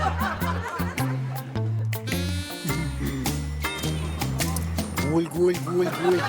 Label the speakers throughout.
Speaker 1: Гуль, гуль, гуль, гуль.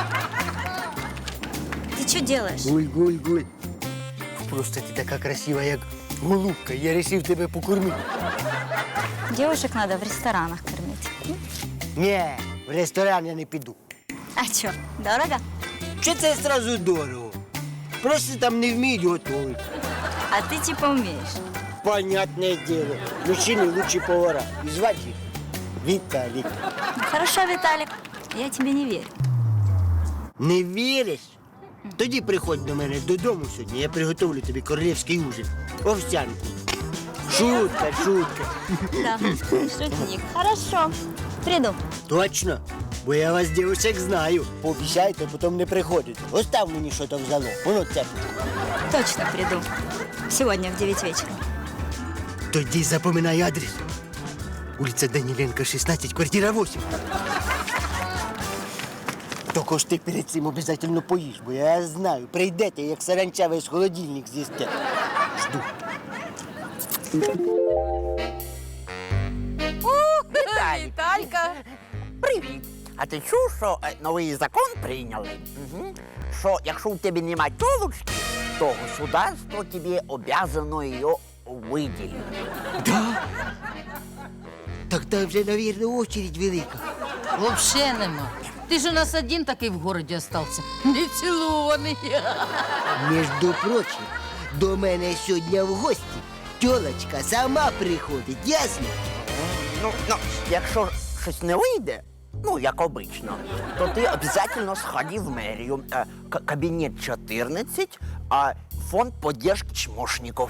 Speaker 2: Ты что делаешь?
Speaker 1: Гуль, гуль, гуль. Просто ти така красива, як голубка. Я вирішив тебе покормити.
Speaker 2: Девушек надо в ресторанах кормить.
Speaker 1: Ні, в ресторан я не піду.
Speaker 2: А что, дорого?
Speaker 1: Чи це одразу дорого? Просто там не вміють готувати.
Speaker 2: А ты типа умеешь.
Speaker 1: Понятне діло. Мужчини лучші повара. І звати їх Віталік.
Speaker 2: Ну, хорошо, Виталик, я тебе не верю.
Speaker 1: Не віриш? Тоді приходь до мене додому сьогодні, я приготовлю тобі королівський ужин. Овсянку. Шутка, шутка.
Speaker 2: Да, шутник. Хорошо, приду.
Speaker 1: Точно? Бо я вас, дівчаток, знаю. Пообіцяйте, потім не приходите. Остав мені що там взяло. Воно це.
Speaker 2: Точно приду. Сегодня в 9 вечера.
Speaker 1: Тоді запоминай адрес. Улиця Даніленка, 16, квартира 8. Тільки ж ти перед цим обов'язково поїш, бо я знаю, прийдете, як саранча весь холодильник з'їсте. Жду.
Speaker 3: Віталька! Привіт! А ти чув, що новий закон прийняли? Що якщо у тебе немає тілочки, то государство тобі обязано її виділити.
Speaker 1: Да? Так там вже, мабуть, очередь велика.
Speaker 4: Вообще нема. Ти ж у нас один такий в городі остався. Не цілований.
Speaker 1: Між прочим, до мене сьогодні в гості тьолочка сама приходить, ясно?
Speaker 3: Ну, якщо щось не вийде, ну, як обично, то ти обов'язково сходи в мерію. Кабінет 14, а фонд поддержки чмошників.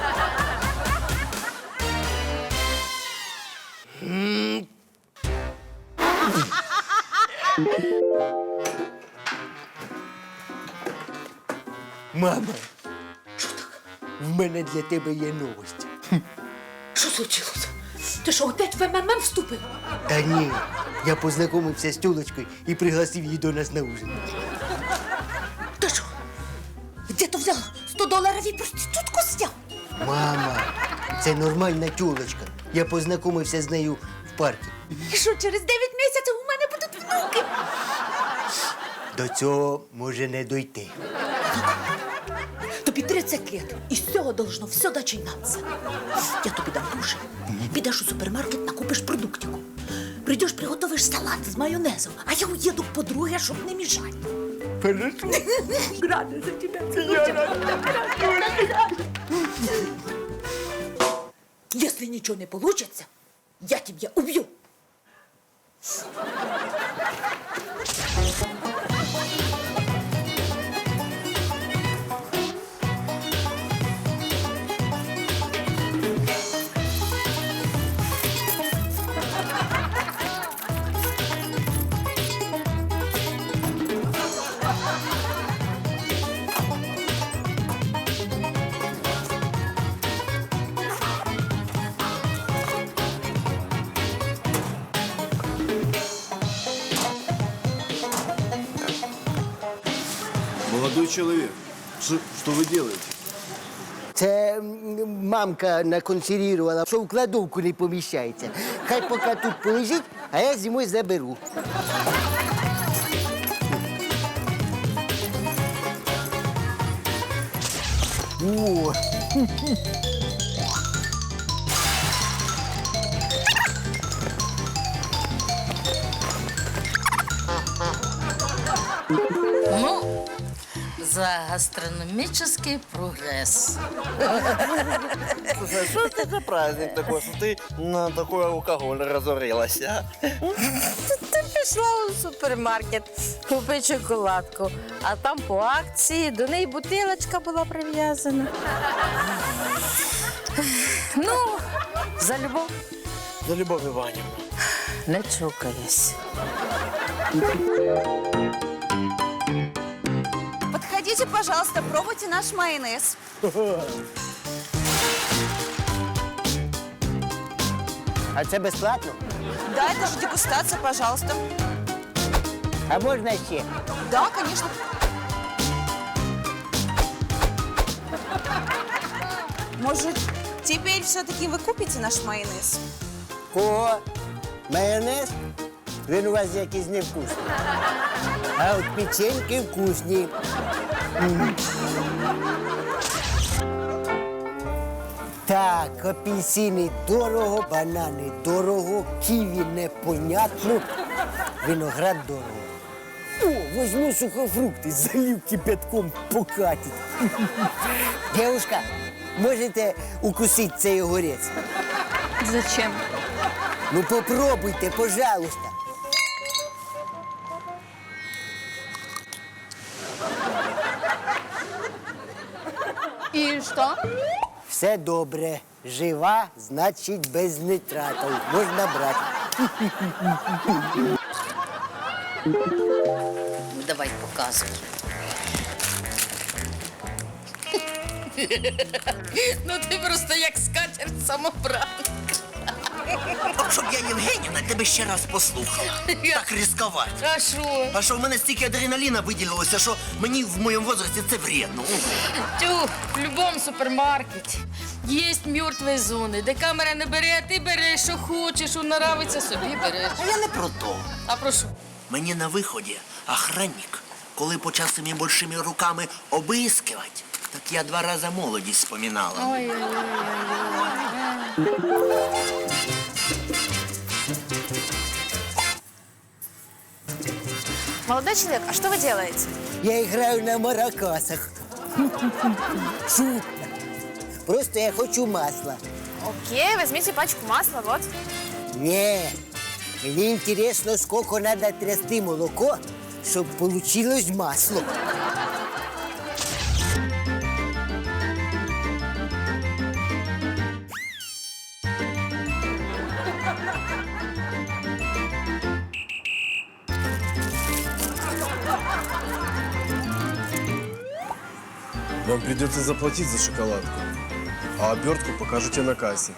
Speaker 1: Мама, в мене для тебе є новость.
Speaker 5: Що случилось? Ти що, опять в МММ вступив?
Speaker 1: Та ні, я познайомився з тьолочкою і пригласив її до нас на ужин.
Speaker 5: Ти що? Де то взяв $100 і проститутку зняв?
Speaker 1: Мама, це нормальна тьолочка. Я познайомився з нею в парку.
Speaker 5: І що, через 9 місяців у мене будуть внуки?
Speaker 1: До цього може не дойти.
Speaker 5: Тобі 30 лет, і з цього должно все починатися. Я тобі дам гроші. Підеш у супермаркет, накупиш продуктику. Прийдеш, приготовиш салат з майонезом, а я уїду к подруге, щоб не мішати.
Speaker 1: Хорошо.
Speaker 5: Рада за тебе. Если ничего не получится, я тебя убью.
Speaker 6: Молодой человек, что вы делаете?
Speaker 1: Це мамка наконсервувала, що в кладовку не поміщається. Хай поки тут полежить, а я зимою заберу. О!
Speaker 4: Ну, за гастрономический прогресс.
Speaker 7: Слушай, что это за праздник такой, что ты на такой алкоголь разорилась, а?
Speaker 8: Ти пішла у супермаркет, купи шоколадку, а там по акції до неї бутилочка була прив'язана. Ну, за любов
Speaker 7: За Любовь Ивановна.
Speaker 8: не чокаюсь.
Speaker 9: Подходите, пожалуйста, пробуйте наш майонез.
Speaker 1: А це безплатно?
Speaker 9: Да, это же дегустация, пожалуйста.
Speaker 1: А можна ще?
Speaker 9: Да, конечно. Может, Теперь все-таки вы купите наш майонез?
Speaker 1: Кого? Майонез? Він у вас якийсь невкусний. А от печеньки вкусні. Так, апельсини дорого, банани дорого, ківі непонятно, виноград дорого. О, возьму сухофрукти, залив кипятком покатить. Девушка, можете укусити цей огурець?
Speaker 2: Зачем?
Speaker 1: Ну попробуйте, пожалуйста.
Speaker 2: И что?
Speaker 1: Все добре. Жива, значить без нитратів. Можна брати.
Speaker 4: Ну, давай, показуй. Ну ти просто як скатерть самобранка.
Speaker 3: От щоб я, Євгенівна, тебе ще раз послухала. Так ризикувати.
Speaker 4: А що?
Speaker 3: А що в мене стільки адреналіна виділилося, що мені в моєму возрасті це вредно.
Speaker 4: Тю, в будь-якому супермаркеті є мертві зони, де камера не бере, а ти береш, що хочеш, що нравиться, собі береш.
Speaker 3: А я не про то.
Speaker 4: А про що?
Speaker 3: Мені на виході охранник, коли почав своїми большими руками обискивати, так я 2 рази молодість споминала.
Speaker 9: Молодой человек, а что вы делаете?
Speaker 1: Я граю на маракасах. Шутка. Просто я хочу масла.
Speaker 9: Окей, возьмите пачку масла, вот.
Speaker 1: Не, мені інтересно, скільки треба трясти молоко, щоб получилось масло.
Speaker 6: Вам придется заплатить за шоколадку, а обертку покажете на кассе.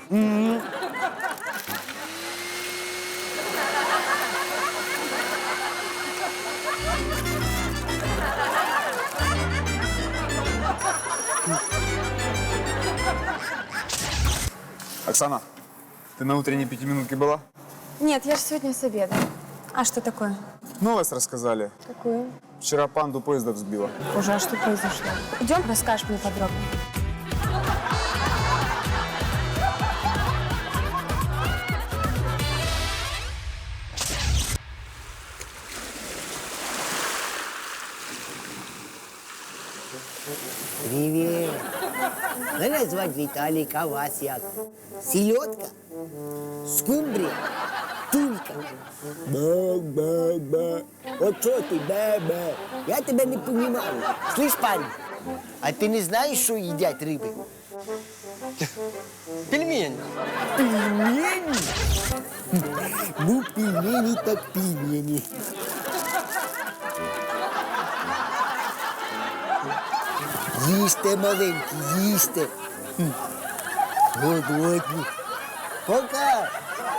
Speaker 10: Оксана, ты на утренней пятиминутке была?
Speaker 9: Нет, я же сегодня с обеда. А что такое?
Speaker 10: Новость рассказали.
Speaker 9: Какую?
Speaker 10: Вчера панду поезда взбила.
Speaker 9: Боже, а что произошло? Идем, расскажешь мне подробно.
Speaker 1: Привіт. Мене звати Віталік, а вас як? Сільотка? Скумбрія? Тулька? Ба-ба-ба. От що ти, ба-ба? Я тебе не понімаю. Слышь, парень, а ти не знаєш, що їдять риби?
Speaker 7: Пельмень.
Speaker 1: Пельмені? Ну, пельмені так пельмені. Їсте, маленькі, їсте. Голодні. Пока.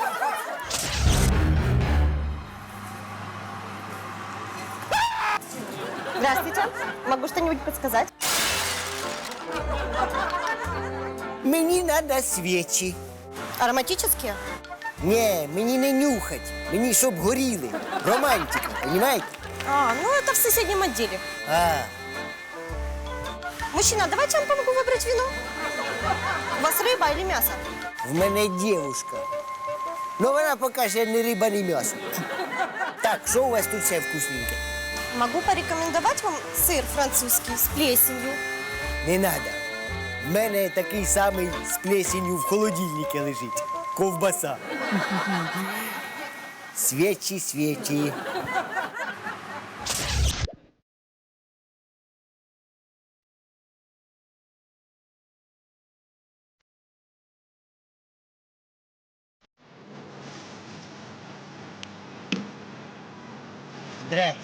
Speaker 9: Здравствуйте. Могу что-нибудь подсказать?
Speaker 1: Мені треба свічі.
Speaker 9: Ароматические?
Speaker 1: Ні, мені не нюхать. Мені щоб горіли. Романтика, розумієте?
Speaker 9: А, ну это в соседнем отделе.
Speaker 1: А,
Speaker 9: Мужчина, давайте я вам помогу выбрать вино. У вас рыба или мясо?
Speaker 1: в мене дівушка. Ну вона поки ще не риба, не м'ясо. Так, що у вас тут все вкусненьке?
Speaker 9: Могу порекомендовать вам сыр французский с плесенью.
Speaker 1: Не надо. В мене такий самий з плесенью в холодильнику лежить. Ковбаса. Свічі, свічі. Здрасте.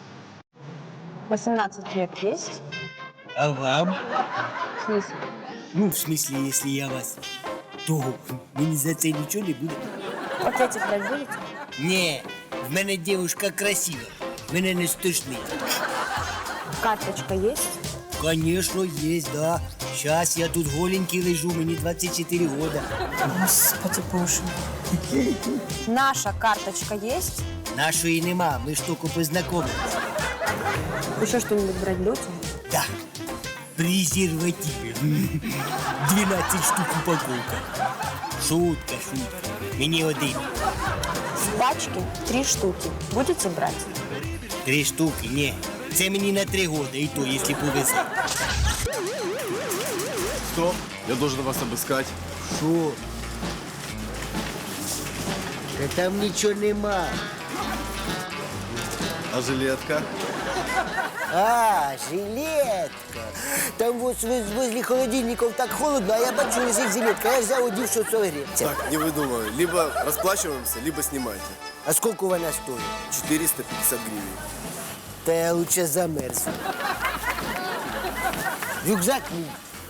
Speaker 9: 18 лет есть?
Speaker 1: А вам?
Speaker 9: В смысле?
Speaker 1: Ну, в смысле, если я вас, то мені за це нічого не буде.
Speaker 9: Пакетик брать будете?
Speaker 1: Ні, в мене дівчинка красива. Мене не стошнить.
Speaker 9: Карточка есть?
Speaker 1: Конечно, есть, да. Щас я тут голенький лежу, мені 24 года.
Speaker 8: Господи боже. Наша карточка есть?
Speaker 1: Нашої нема, ми ж тільки познайомилися.
Speaker 8: Еще что-нибудь брать будете?
Speaker 1: Да. Презервативи. 12 штук упаковка. Шутка, шутка. Мені один.
Speaker 8: С пачки 3 штуки. Будете брать?
Speaker 1: 3 штуки, ні. Це мені на 3 года, і то, якщо повезе.
Speaker 6: Стоп, я должен вас обыскать.
Speaker 1: Що? Та там нічого нема.
Speaker 6: А жилетка?
Speaker 1: А, жилетка. Там вот возле холодильников так холодно, а я бачу, лежить жилетка. Я взяв, одів, що согріться.
Speaker 6: Так, не выдумывай. Либо расплачиваемся, либо снимайте.
Speaker 1: А скільки вона стоїть?
Speaker 6: 450 гривен.
Speaker 1: Та я лучше замерзну. Рюкзак мій.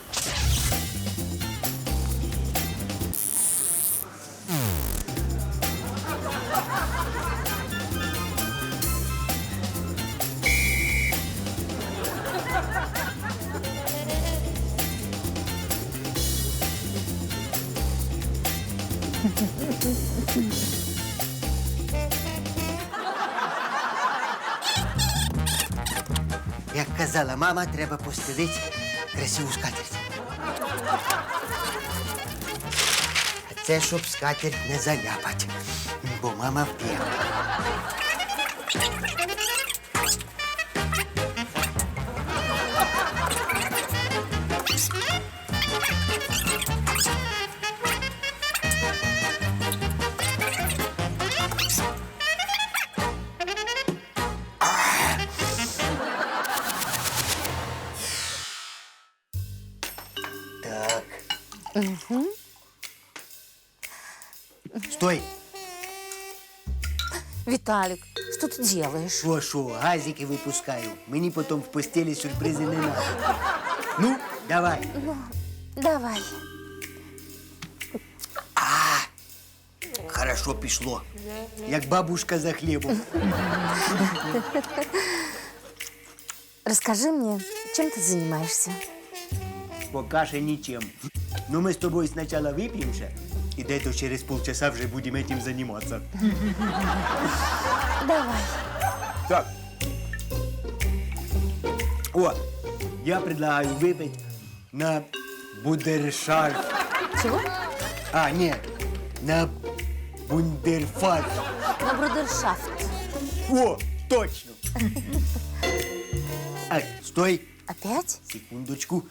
Speaker 1: Як казала мама, треба постелити красиву скатерть. А це щоб скатерть не заляпать, бо мама вп'є. Так. Стой!
Speaker 8: Виталик, что ты делаешь?
Speaker 1: Шо, газики випускаю. Мені потім в постелі сюрпризи не надо. Ну, давай.
Speaker 8: Давай.
Speaker 1: Хорошо пішло. Як бабушка за хлібом.
Speaker 8: Расскажи мне, чем ты занимаешься?
Speaker 1: Пока що нічим. Ну, ми з тобою спочатку вип'ємося, і десь через полчаса вже будемо цим займатися.
Speaker 8: Давай.
Speaker 1: Так. О, я предлагаю выпить на бундершафт.
Speaker 8: Чего?
Speaker 1: А, нет, на бундерфарш.
Speaker 8: На брудершафт.
Speaker 1: О, точно. Ай, стой,
Speaker 8: Опять?
Speaker 1: секундочку.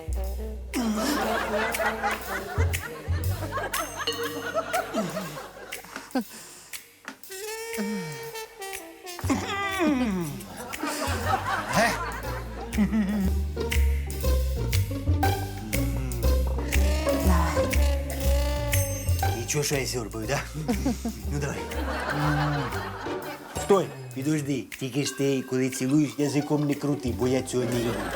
Speaker 1: Ничего, что я сёрбаю, да? Ну, давай. Стой, підожди. Тільки ж ти, коли цілуєш, язиком не крути, бо я цього не люблю.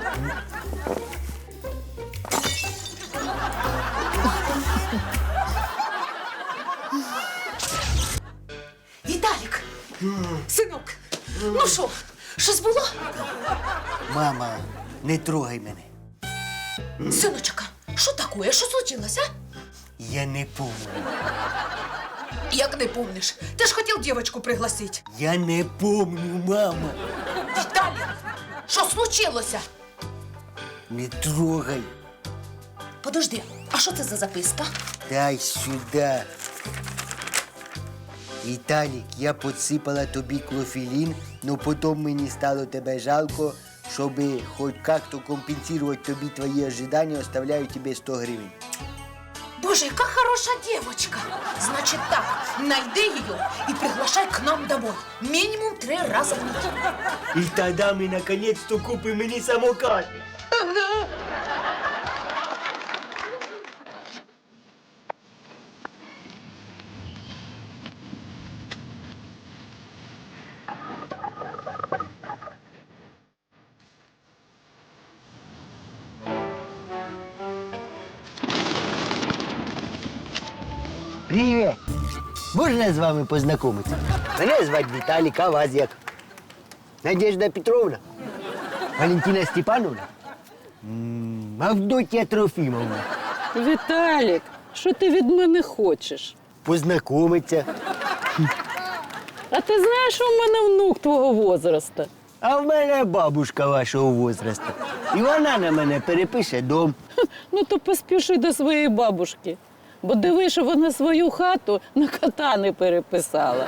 Speaker 5: Віталік! Синок! Ну що, щось було?
Speaker 1: Мама, не трогай мене.
Speaker 5: Синочка, що таке? Що случилося?
Speaker 1: Я не помню.
Speaker 5: Як не помниш? Ти ж хотів дівчинку пригласити.
Speaker 1: Я не помню, мама.
Speaker 5: Віталік, що случилося?
Speaker 1: Не трогай.
Speaker 5: Подожди, а що це за записка?
Speaker 1: Дай сюда. Віталік, я підсипала тобі клофелін, но потім мені стало тебе жалко, щоб хоч як-то компенсувати тобі твої ожидання, оставляю тебе 100 гривень.
Speaker 5: Боже, яка хороша дівчинка. Значить так, найди її і приглашай к нам домой. Мінімум 3 рази в неділю.
Speaker 1: І тоді ми наконець-то купимо мені самокат. Привіт! Можна з вами познайомитися? Мене звати Віталік, а вас як? Надежда Петровна? Валентина Степановна? Авдотья Трофимовна.
Speaker 8: Віталік, що ти від мене хочеш?
Speaker 1: Познайомиться.
Speaker 8: А ти знаєш, що в мене внук твого возраста?
Speaker 1: А в мене бабушка вашого возрасту. І вона на мене перепише дом.
Speaker 8: Ну то поспіши до своєї бабушки. Бо диви, що вона свою хату на кота не переписала.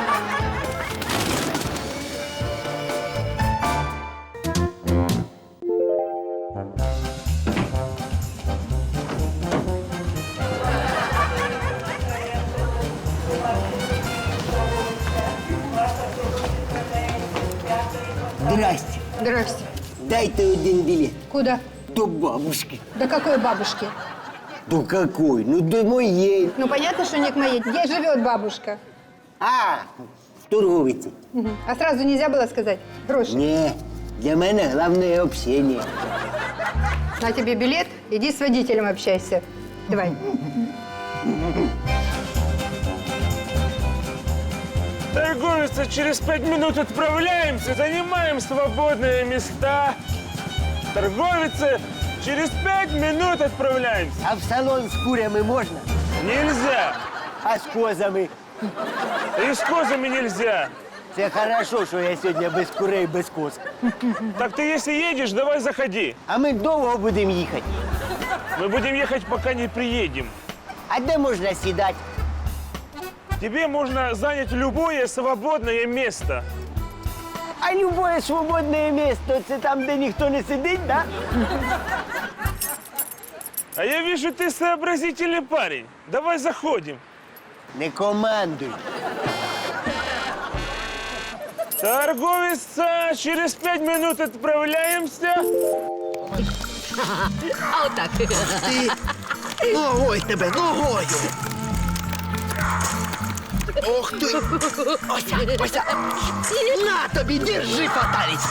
Speaker 1: Здрасте.
Speaker 11: Здрасте.
Speaker 1: Дайте один билет.
Speaker 11: Куда?
Speaker 1: До бабушки.
Speaker 11: До какой бабушки?
Speaker 1: До какой? Ну, до моей.
Speaker 11: Ну, понятно, что не к моей. Где живет бабушка?
Speaker 1: А, в торговиці.
Speaker 11: Мгм. А сразу нельзя было сказать? Гроши.
Speaker 1: Ні, для мене головне общення.
Speaker 11: На тебе билет, иди с водителем общайся. Давай.
Speaker 12: Торговица, через 5 минут отправляемся, занимаем свободные места. Торговица, через 5 минут отправляемся.
Speaker 1: А в салон з курями можна?
Speaker 12: Нельзя.
Speaker 1: А з козами?
Speaker 12: И с козами нельзя.
Speaker 1: Це хорошо, що я сьогодні без курей, без коз.
Speaker 12: Так ты если едешь, давай заходи.
Speaker 1: А ми довго будемо їхати.
Speaker 12: Мы будем ехать, пока не приедем.
Speaker 1: А де можна сідати?
Speaker 12: Тебе можно занять любое свободное место.
Speaker 1: А любое свободне місце – це там, де ніхто не сидить, да?
Speaker 12: А я вижу, ты сообразительный парень. Давай заходим.
Speaker 1: Не командуй.
Speaker 12: Торговица, через 5 минут отправляемся.
Speaker 8: А отак.
Speaker 1: Ногой тебе, ногою! Ох ти! Ося, Ося! На тобі, держи, фаталість!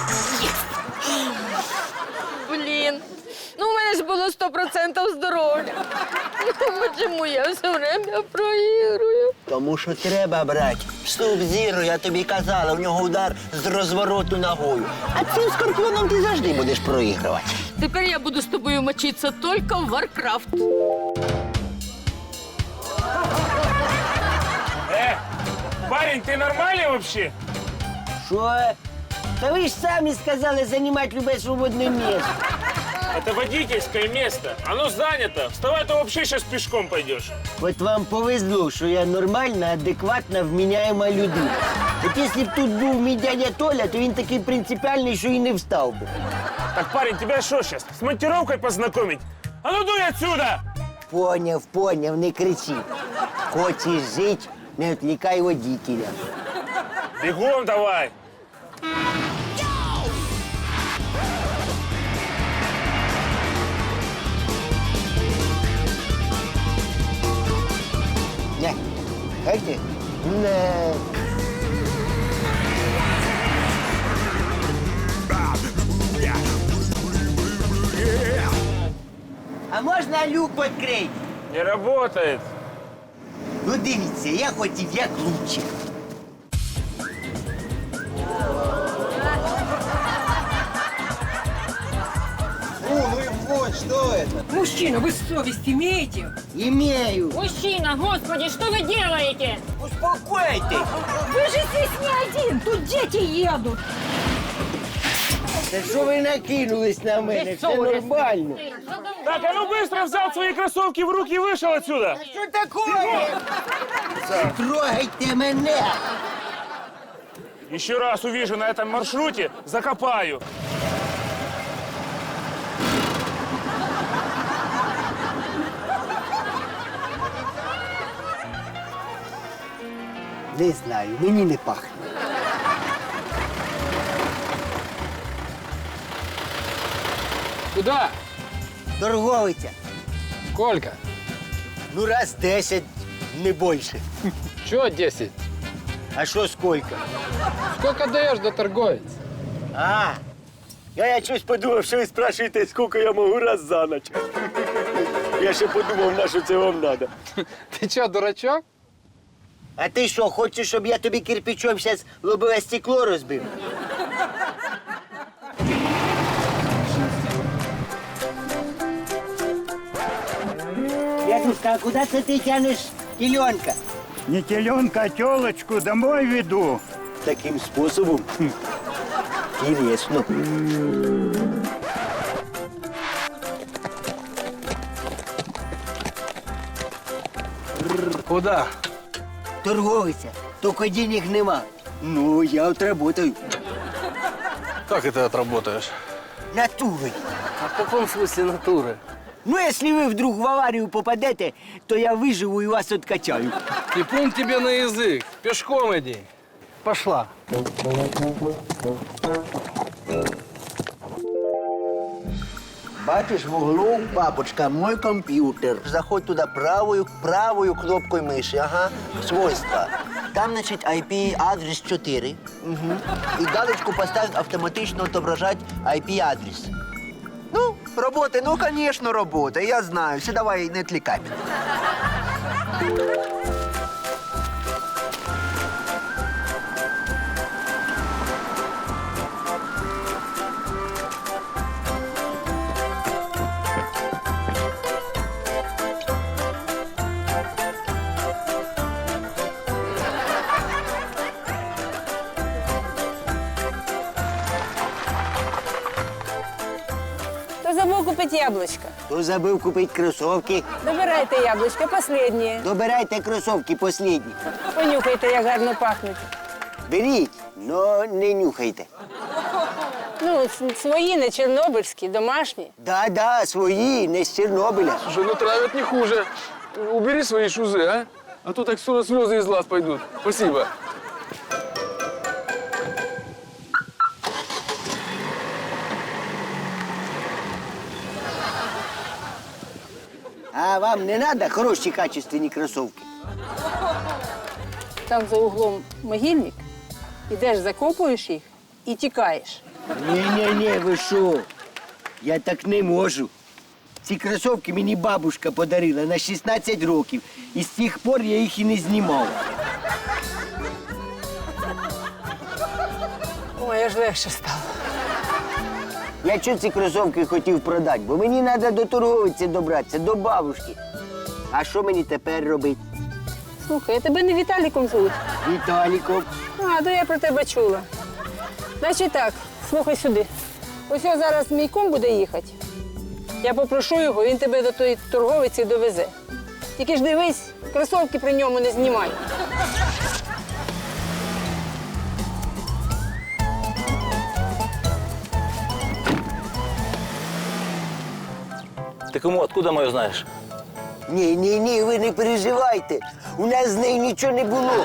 Speaker 8: Блін, ну у мене ж було 100% здоров'я. Ну, чому я все время проігрую?
Speaker 3: Тому що треба брати. Суб-зіро, я тобі казала, в нього удар з розвороту ногою. А цим скорпіоном ти завжди будеш проігрувати.
Speaker 8: Тепер я буду з тобою мочитися тільки в Варкрафт.
Speaker 12: Парень, ты нормальный вообще?
Speaker 1: Що? Та ви ж самі сказали займати любе свободне місце.
Speaker 12: Это водительское место. Оно занято. Вставай, то вообще сейчас пешком пойдешь.
Speaker 1: От вам повезло, що я нормальна, адекватна, вміняєма людина. От якщо б тут був мій дядя Толя, то він такий принципіальний, що і не встав би.
Speaker 12: Так, парень, тебя что сейчас, с монтировкой познакомить? А ну дуй отсюда!
Speaker 1: Поняв, поняв, не кричи. Хочеш жити, не відвлікай водителя.
Speaker 12: Бегом давай!
Speaker 1: Не, как ты? Не. А можна люк відкрити?
Speaker 12: Не работает.
Speaker 1: Ну дивіться, я хотів як лучше.
Speaker 11: Мужчина, вы совесть имеете?
Speaker 1: Имею.
Speaker 8: Мужчина, господи, что вы делаете?
Speaker 1: Успокойтесь.
Speaker 11: Вы же здесь не один, тут дети едут.
Speaker 1: Та що ви накинулись на мене? Все нормально.
Speaker 12: Так, а ну быстро взял свои кроссовки в руки и вышел отсюда.
Speaker 1: Що такое? Трогайте мене.
Speaker 12: Еще раз увижу на этом маршруте, закопаю.
Speaker 1: Не знаю, мені не пахне.
Speaker 13: Куда?
Speaker 1: Торговиця.
Speaker 13: Сколько?
Speaker 1: Ну, раз 10, не більше.
Speaker 13: Чего 10?
Speaker 1: А що скільки?
Speaker 13: Сколько даешь до торговец?
Speaker 1: А, я щось подумав, що ви спрашуєте, скільки я можу раз за ніч. Я ще подумав, на що це вам треба.
Speaker 13: Ты что, дурачок?
Speaker 1: А ти що, хочеш, щоб я тобі кирпичом зараз лобове стекло розбив? Бабушка, а куда це ти тянеш теленка?
Speaker 14: Не теленка, а телочку домой веду.
Speaker 1: Таким способом? Интересно.
Speaker 13: Куда?
Speaker 1: Торговиця, тільки денег нема. Ну, я отработаю.
Speaker 6: Как это отработаешь?
Speaker 1: Натурой.
Speaker 13: А в каком смысле натуры?
Speaker 1: Ну, если вы вдруг в аварию попадете, то я выживу и вас откачаю.
Speaker 13: И плюнь тебе на язык. Пешком иди. Пошла.
Speaker 3: Бачиш, в углу, папочка, мой комп'ютер. Заходь туди правою кнопкою миші, ага, свойства. Там, значить, IP-адрес 4. Угу. І галочку поставь автоматично отображать IP-адрес. Ну, робота, ну, конечно, робота, я знаю. Все, давай, не отвлекай меня.
Speaker 8: Кто забыл купить яблочко?
Speaker 1: Хто забив купити кросовки?
Speaker 8: Добирайте яблочко, последнее.
Speaker 1: Добирайте кросовки последні.
Speaker 8: Понюхайте, як гарно пахнуть.
Speaker 1: Беріть, но не нюхайте.
Speaker 8: Ну, свої, не чорнобильські, домашні.
Speaker 1: Да, свої, не з Чорнобиля.
Speaker 13: Слушай, ну травят не хуже. Убери свои шузы, а? А то так скоро слезы из глаз пойдут. Спасибо.
Speaker 1: А вам не треба хороші качественні кросовки?
Speaker 8: Там за углом могильник. Ідеш, закопуєш їх і тікаєш.
Speaker 1: Ні, ви що? Я так не можу. Ці кросовки мені бабушка подарила на 16 років. І з тих пор я їх і не знімав.
Speaker 8: Ой, аж легше стало.
Speaker 1: Я чого ці кросовки хотів продати? Бо мені треба до торговиці добратися, до бабушки. А що мені тепер робити?
Speaker 8: Слухай, а тебе не Віталіком звуть?
Speaker 1: Віталіком.
Speaker 8: А, то я про тебе чула. Значить так, слухай сюди. Ось я зараз мій кум буде їхати. Я попрошу його, він тебе до тої торговиці довезе. Тільки ж дивись, кросовки при ньому не знімай.
Speaker 7: Ты кому, откуда мою знаешь?
Speaker 1: Ні, ви не переживайте. У нас з нею нічого не було.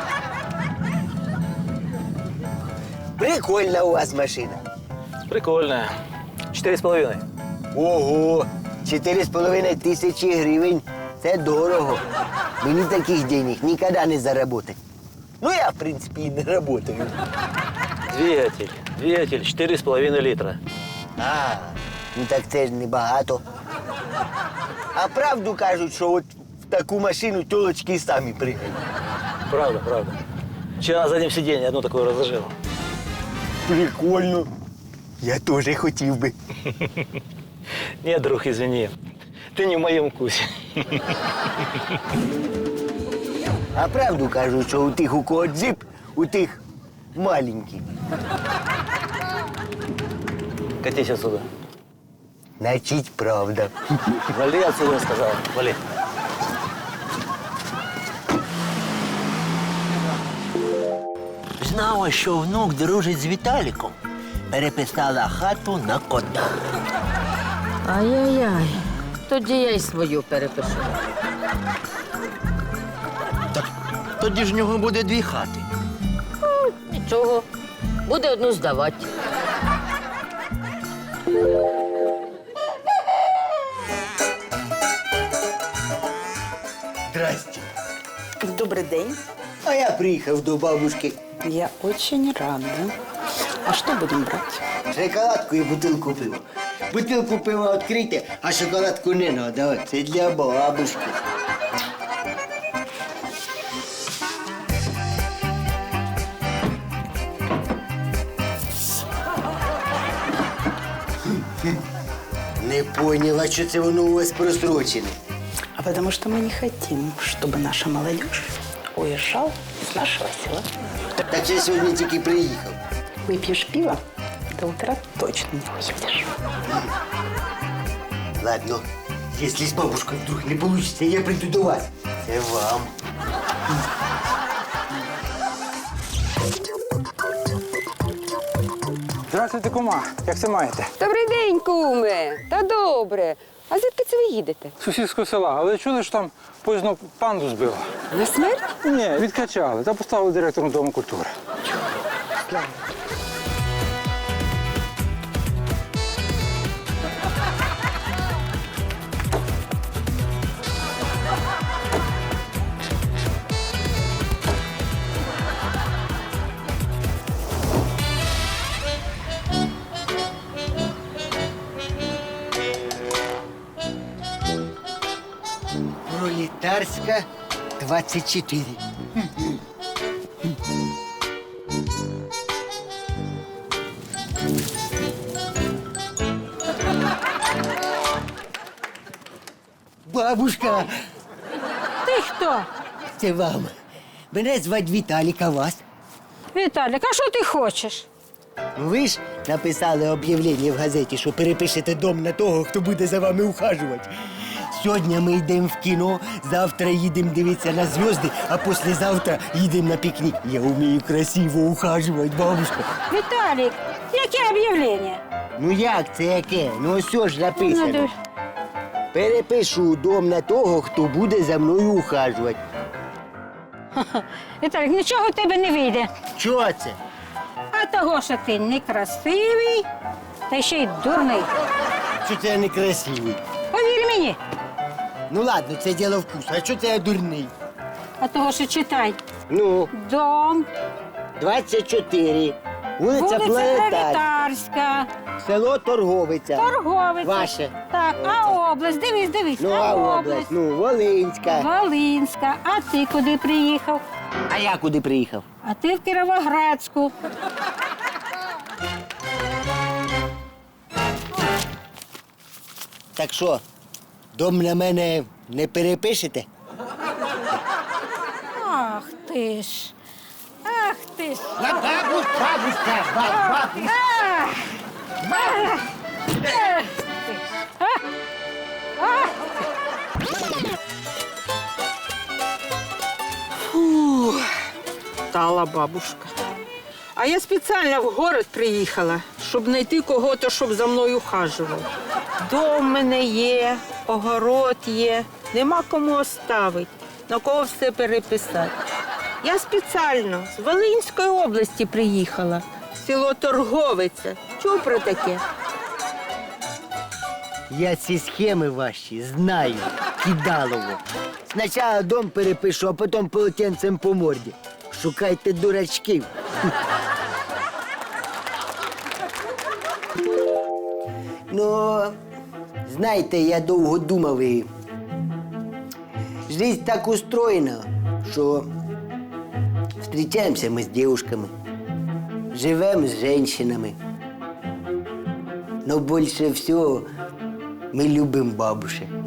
Speaker 1: Прикольна у вас машина.
Speaker 7: Прикольная. 4,5.
Speaker 1: Ого, 4,5 тисячі гривень. Це дорого. Мені таких денег ніколи не заработать. Ну, я, в принципі, і не працюю.
Speaker 7: Двигатель 4,5 литра.
Speaker 1: А, ну так це ж небагато. А правду кажуть, що от в таку машину тілочки самі пригають.
Speaker 7: Правда. Вчера на заднем сиденье одну такую разложил.
Speaker 1: Прикольно. Я теж хотів би.
Speaker 7: Нет, друг, извини. Ты не в моем вкусе.
Speaker 1: А правду кажуть, що у тих, у кого джип, у тих маленький.
Speaker 7: Катись отсюда.
Speaker 1: Значить, правда.
Speaker 7: Вали отсюда, я сказал. Вали.
Speaker 3: Знала, що внук дружить з Віталіком. Переписала хату на кота.
Speaker 8: Ай-яй-яй. Тоді я й свою перепишу.
Speaker 3: Тоді ж в нього буде 2 хати.
Speaker 8: Нічого. Буде одну здавати.
Speaker 1: Здрасте.
Speaker 5: Добрий день.
Speaker 1: А я приїхав до бабушки.
Speaker 5: Я очень рада. А что будем брать?
Speaker 1: Шоколадку і бутилку пива. Бутилку пива відкрийте, а шоколадку не треба. Це для бабушки. Не поняла, що це воно у вас просрочене.
Speaker 5: А потому что мы не хотим, чтобы наша молодежь уезжала с нашего села.
Speaker 1: Так я сьогодні тільки приїхав.
Speaker 5: Выпьешь пиво, до утра точно не уедешь.
Speaker 1: Ладно, если с бабушкой вдруг не получится, я приду до вас. Це вам.
Speaker 15: Здравствуйте, кума. Як це маєте?
Speaker 8: Добрий день, куме. Та добре. А звідки це ви їдете?
Speaker 15: З сусідського села. Але чули, що там поїзно панду збило?
Speaker 8: На смерть?
Speaker 15: Ні, відкачали. Та поставили директором Дому культури.
Speaker 1: Пролетарська 24. Бабушка,
Speaker 8: Ти хто?
Speaker 1: це вам. Мене звать Віталік, а вас?
Speaker 8: Віталік, а що ти хочеш?
Speaker 1: Ви ж написали об'явлення в газеті, що перепишете дом на того, хто буде за вами ухажувати. Сьогодні ми йдемо в кіно, завтра їдемо дивитися на зв'язки, а післязавтра їдемо на пікнік. Я вмію красиво ухажувати, бабушка.
Speaker 8: Віталік, яке об'явлення?
Speaker 1: Ну як це яке? Ну ось ж написано. Перепишу дом на того, хто буде за мною ухажувати.
Speaker 8: Віталік, нічого в тебе не вийде.
Speaker 1: Чого це?
Speaker 8: А того, що ти некрасивий, та ще й дурний.
Speaker 1: Що це я некрасивий?
Speaker 8: Повір мені.
Speaker 1: Ну ладно, це діло вкусу. А що це я дурний?
Speaker 8: А того, що читай.
Speaker 1: Ну,
Speaker 8: Дом,
Speaker 1: 24. Вулиця Планетарська.
Speaker 8: Пролетарська,
Speaker 1: Село Торговиця.
Speaker 8: Торговиця.
Speaker 1: Ваше.
Speaker 8: Так, а область, дивись.
Speaker 1: Ну, а область? Ну, Волинська.
Speaker 8: Волинська. А ти куди приїхав?
Speaker 1: А я куди приїхав?
Speaker 8: А ти в Кіровоградську.
Speaker 1: Так що, дом на мене не перепишете?
Speaker 8: Ах ти ж. Ах ти ж.
Speaker 1: Бабушка,
Speaker 8: Ах ти ж.
Speaker 16: Фух, стала бабушка. А я спеціально в город приїхала, щоб знайти кого-то, щоб за мною ухажував. Дом в мене є, огород є, нема кому оставити, на кого все переписати. Я спеціально з Волинської області приїхала, село Торговиця. Чув про таке?
Speaker 1: Я ці схеми ваші знаю, кидалово. Спочатку дом перепишу, а потім полотенцем по морді. Шукайте дурачків. Ну, знаєте, я довго думав і жизнь так устроєна, що зустрічаємося ми з дівчатками, живемо з жінками. Но більше всього ми любимо бабушек.